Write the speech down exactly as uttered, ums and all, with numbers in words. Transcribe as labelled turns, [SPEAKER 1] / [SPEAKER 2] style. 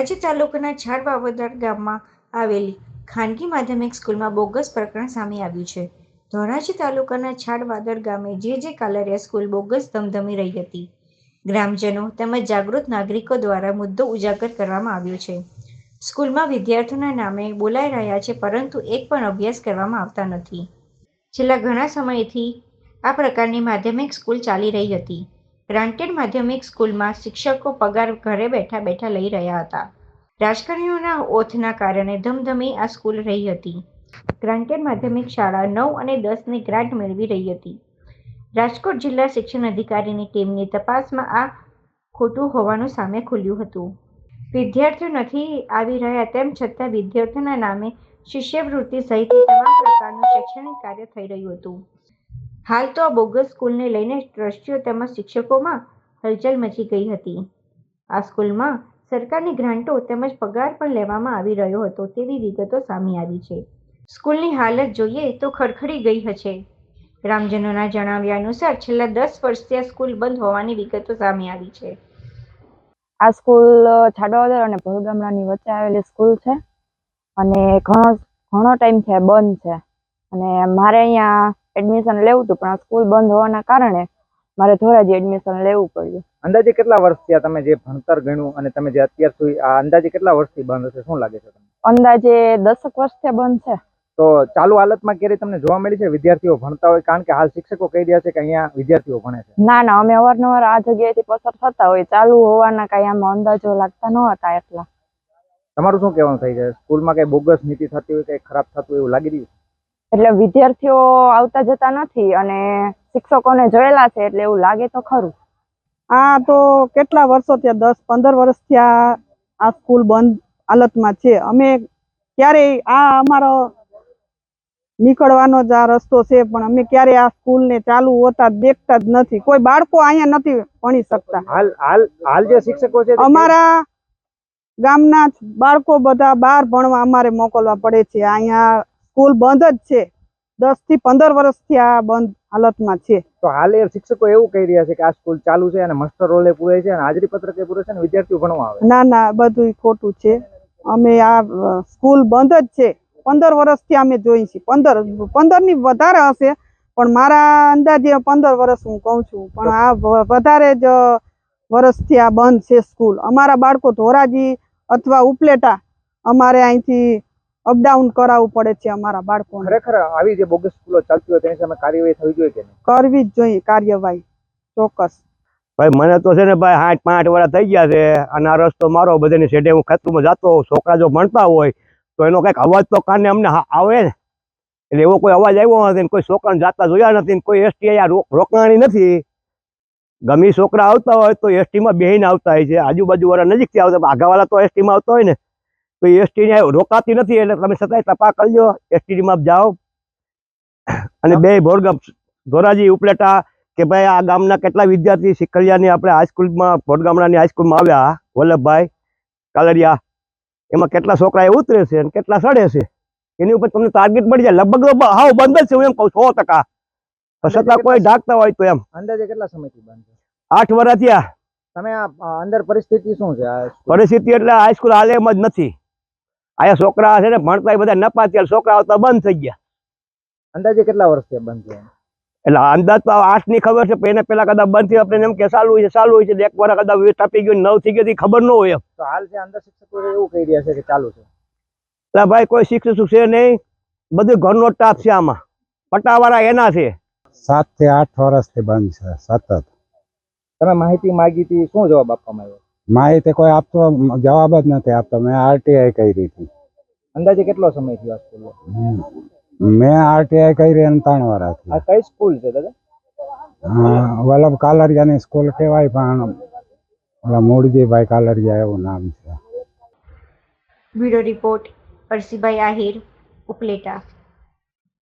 [SPEAKER 1] ધોરાજી તાલુકાના છાડ વાવદર ગામમાં આવેલી ખાનગી માધ્યમિક સ્કૂલમાં બોગસ પ્રકરણ સામે આવ્યું છે. ધોરાજી તાલુકાના છાડ વાવદર ગામે જે જે કાલરિયા સ્કૂલ બોગસ ધમધમી રહી હતી. ગ્રામજનો તેમજ જાગૃત નાગરિકો દ્વારા મુદ્દો ઉજાગર કરવામાં આવ્યો છે. સ્કૂલમાં વિદ્યાર્થીઓના નામે બોલાઈ રહ્યા છે, પરંતુ એક પણ અભ્યાસ કરવામાં આવતા નથી. છેલ્લા ઘણા સમયથી આ પ્રકારની માધ્યમિક સ્કૂલ ચાલી રહી હતી. ગ્રાન્ટેડ માધ્યમિક સ્કૂલમાં શિક્ષકો પગાર ઘરે બેઠા બેઠા લઈ રહ્યા હતા. રાજકારણીઓના ઓથના કારણે ધમધમી આ સ્કૂલ રહી હતી. ગ્રાન્ટેડ માધ્યમિક શાળા નવ અને દસ ની ગ્રાન્ટ મેળવી રહી હતી. રાજકોટ જિલ્લા શિક્ષણ અધિકારીની ટીમની તપાસમાં આ ખોટું હોવાનું સામે ખુલ્યું હતું. વિદ્યાર્થીઓ નથી આવી રહ્યા તેમ છતાં વિદ્યાર્થીઓના નામે શિષ્યવૃત્તિ સહિતની તમામ પ્રકારનું શૈક્ષણિક કાર્ય થઈ રહ્યું હતું. હાલ તો આ બોગસ સ્કૂલને લઈને ટ્રસ્ટીઓ તેમજ શિક્ષકોમાં હલચલ મચી ગઈ હતી. આ સ્કૂલમાં સરકારની ગ્રાન્ટો તેમજ પગાર પણ લેવામાં આવી રહ્યો હતો તેવી વિગતો સામે આવી છે. સ્કૂલની હાલત જોઈએ તો ખડખડી ગઈ હશે. ગ્રામજનોના જણાવ્યા અનુસાર છેલ્લા દસ વર્ષથી આ સ્કૂલ બંધ હોવાની વિગતો સામે આવી છે.
[SPEAKER 2] આ સ્કૂલ છાડવાદર અને ભોરગામડાની વચ્ચે આવેલી સ્કૂલ છે અને ઘણો ઘણો ટાઈમ છે બંધ છે. અને મારે અહીંયા એડમિશન લેવું હતું, પણ આ સ્કૂલ બંધ હોવાના કારણે મારે ધોરાજી એડમિશન લેવું પડ્યું.
[SPEAKER 3] અંદાજે કેટલા વર્ષ થયા તમે જે ભણતર ગણ્યું અને તમે જે અત્યાર સુધી આ અંદાજે કેટલા વર્ષથી બંધ હશે, શું લાગે છે તમને?
[SPEAKER 2] અંદાજે દસક વર્ષથી બંધ છે.
[SPEAKER 3] તો ચાલુ હાલતમાં ક્યારે તમને જોવા મળી છે વિદ્યાર્થીઓ ભણતા હોય? કારણ કે હાલ શિક્ષકો કહી રહ્યા છે કે અહીંયા વિદ્યાર્થીઓ ભણે છે.
[SPEAKER 2] ના ના, અમે અવારનવાર આ જગ્યાએથી પસાર થતા હોય, ચાલુ હોવાના કઈ આમાં અંદાજો લાગતા ન હતા. એટલા
[SPEAKER 3] તમારું શું કહેવાનું થઈ છે? સ્કૂલમાં કઈ બોગસ નીતિ થતી હોય, કઈ ખરાબ થતું હોય એવું લાગી રહ્યું છે?
[SPEAKER 2] એટલે વિદ્યાર્થીઓ આવતા જતા નથી અને શિક્ષકોને જોયેલા છે એટલે એવું લાગે તો ખરું.
[SPEAKER 4] આ તો કેટલા વર્ષો થયા, દસ પંદર વર્ષ થયા આ સ્કૂલ બંધ હાલતમાં છે. અમે ક્યારેય આ અમારો નીકળવાનો જ આ રસ્તો છે, પણ અમે ક્યારે આ સ્કૂલ ને ચાલુ હોતા દેખતા જ નથી. કોઈ બાળકો અહીંયા નથી ભણી શકતા.
[SPEAKER 3] હાલ હાલ હાલ જે શિક્ષકો છે
[SPEAKER 4] અમારા ગામના બાળકો બધા બહાર ભણવા અમારે મોકલવા પડે છે. અહીંયા સ્કૂલ બંધ જ છે. દસ થી પંદર વર્ષથી આ બંધ હાલતમાં છે.
[SPEAKER 3] તો હાલ એ શિક્ષકો એવું કહી રહ્યા છે કે આ સ્કૂલ ચાલુ છે અને માસ્ટર રોલે પૂરે છે અને હાજરી પત્રકે પૂરે છે અને વિદ્યાર્થીઓ ભણવા આવે.
[SPEAKER 4] ના ના, બધું ખોટું છે. અમે આ સ્કૂલ બંધ જ છે. પંદર વર્ષથી અમે જોઈ છીએ. પંદર પંદર ની વધારે હશે, પણ મારા અંદાજે પંદર વર્ષ હું કઉ છું, પણ આ વધારે જ વર્ષથી આ બંધ છે સ્કૂલ. અમારા બાળકો ધોરાજી અથવા ઉપલેટા અમારે અહીંથી અપડાઉન કરાવવું પડે છે અમારા બાળકોને.
[SPEAKER 3] ખરેખર આવી જે બોગસ સ્કૂલો ચાલતી હોય તેની સામે કાર્યવાહી થવી જોઈએ કે નહીં?
[SPEAKER 4] કરવી જ જોઈએ કાર્યવાહી, ચોક્કસ.
[SPEAKER 5] ભાઈ મને તો છે ને ભાઈ આઠ પાંચ વર્ષ થઈ ગયા છે અને આ રસ્તો મારો બધાની સેટે હું ખેતરમાં જતો હોઉં. છોકરા જો ભણતા હોય તો એનો કંઈક અવાજ તો કાને અમને આવે ને, એટલે એવો કોઈ અવાજ આવ્યો નથી. કોઈ છોકરાને જાતા જોયા નથી, કોઈ એસટી અહીંયા રોકાણી નથી. ગમે છોકરા આવતા હોય તો એસટીમાં બેહીને આવતા હોય છે. આજુબાજુ વાળા નજીકથી આવતા, આગાવાળા તો એસટીમાં આવતા હોય ને તો એસટી રોકાતી નથી. એટલે તમે છતાંય તપાસ કરજો, એસટીમાં જાઓ અને બે ભોરગામ ધોરાજી ઉપલેટા કે ભાઈ આ ગામના કેટલા વિદ્યાર્થી શિખલિયાની આપણે હાઈસ્કૂલમાં ભોરગામડાની હાઈસ્કૂલમાં આવ્યા, વલ્લભભાઈ કાલરિયા, એમાં કેટલા છોકરા એ ઉતરે છે અને કેટલા સડે છે એની ઉપર તમને ટાર્ગેટ મળી જાય. લગભગ હાવ બંધ જ છે હું એમ કહું, સો ટકા. છતાં કોઈ ઢાંકતા હોય તો એમ.
[SPEAKER 3] અંદાજે કેટલા સમયથી બંધ છે?
[SPEAKER 5] આઠ વર્ષ થયા.
[SPEAKER 3] તમે આ અંદર પરિસ્થિતિ શું છે?
[SPEAKER 5] પરિસ્થિતિ એટલે હાઈસ્કૂલ હાલે એમ જ નથી. અહીંયા છોકરા છે ને ભણતા બધા નપા થયા, છોકરા આવતા બંધ થઈ ગયા.
[SPEAKER 3] અંદાજે કેટલા વર્ષથી બંધ થયા?
[SPEAKER 5] એટલે અંદાજ તો આઠ ની ખબર છે, એને પેલા કદાચ બંધ થયું આપણે એમ કે ચાલુ હોય છે ચાલુ હોય છે, એક વાર કદાચ ટપી ગયું નવ થઈ ગઈ ખબર ન હોય એમ.
[SPEAKER 3] તો હાલ છે અંદર શિક્ષકો એવું કહી રહ્યા છે કે ચાલુ છે.
[SPEAKER 5] એટલે ભાઈ કોઈ શિક્ષક છે નહીં, બધું ઘરનો સ્ટાફ છે. આમાં પટાવાળા એના છે.
[SPEAKER 6] સાત થી આઠ વર્ષથી બંધ છે સતત.
[SPEAKER 3] તમે માહિતી માગી હતી, શું જવાબ આપવામાં આવ્યો?
[SPEAKER 6] માહિતી કોઈ આપતો જવાબ જ નથી આપતો. મેં આરટીઆઈ કરી હતી.
[SPEAKER 3] અંદાજે કેટલો સમય થયો આ સ્કૂલનો?
[SPEAKER 6] મેં આરટીઆઈ કરી અને ત્રણ વર્ષ.
[SPEAKER 3] આ કઈ સ્કૂલ છે દાદા?
[SPEAKER 6] વલ્લભ કાલરિયાની સ્કૂલ કહેવાય, પણ ઓલા મૂળજીભાઈ કાલરિયા એવું નામ છે.
[SPEAKER 1] Bureau report, Parsibhai Ahir, Upleta.